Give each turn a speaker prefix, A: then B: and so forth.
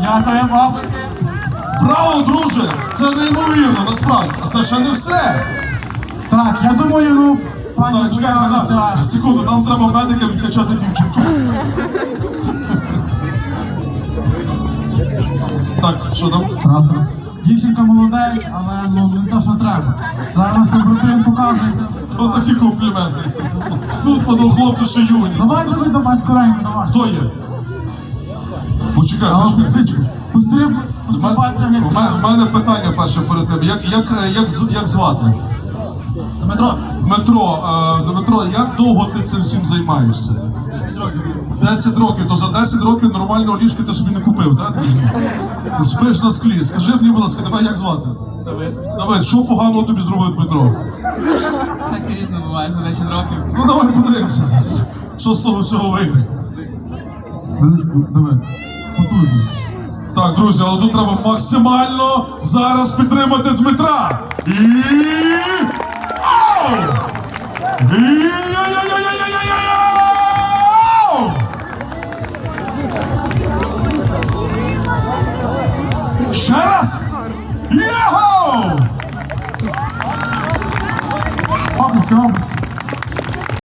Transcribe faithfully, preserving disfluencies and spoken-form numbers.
A: Дякуємо, обласки.
B: Браво, друже! Це неймовірно, насправді. А це ще не все.
A: Так, я думаю, ну, пані
B: Так, чекайте,
A: Бояриця...
B: на, секунду, нам треба медикам відкачати дівчинку. Так, що там?
A: Раз, раз. Дівчинка молодець, але ну, не те, що треба. Зараз побратим покаже, як треба
B: Ось
A: стрибати.
B: такі компліменти. Ну, подав хлопці, що юні.
A: Давай, давай, давай, скоренько, давай.
B: Хто є? Почекай,
A: А,
B: почекай.
A: ти постриб,
B: У
A: пострибай, так, як
B: мене, у мене- у
A: треба.
B: мене питання перше перед тим. Як, як, як, з- як звати?
C: Дмитро,
B: Дмитро, е, Дмитро, як довго ти цим всім займаєшся?
C: десять років.
B: десять років, то за десять років нормального ліжка ти собі не купив, так? Ти спиш на склі. Скажи мені, будь ласка, тебе як звати?
C: Давид.
B: Давид, що поганого тобі зробив Дмитро?
C: Всяке різне буває за десять років.
B: Ну давай подивимося зараз. Що з того всього вийде?
A: Давай, потужно.
B: Так, друзі, але тут треба максимально зараз підтримати Дмитра. І... Ау! І... Яй-яй-яй-яй-яй-яй-яй! Ще раз! Його!
A: Обласки, обласки.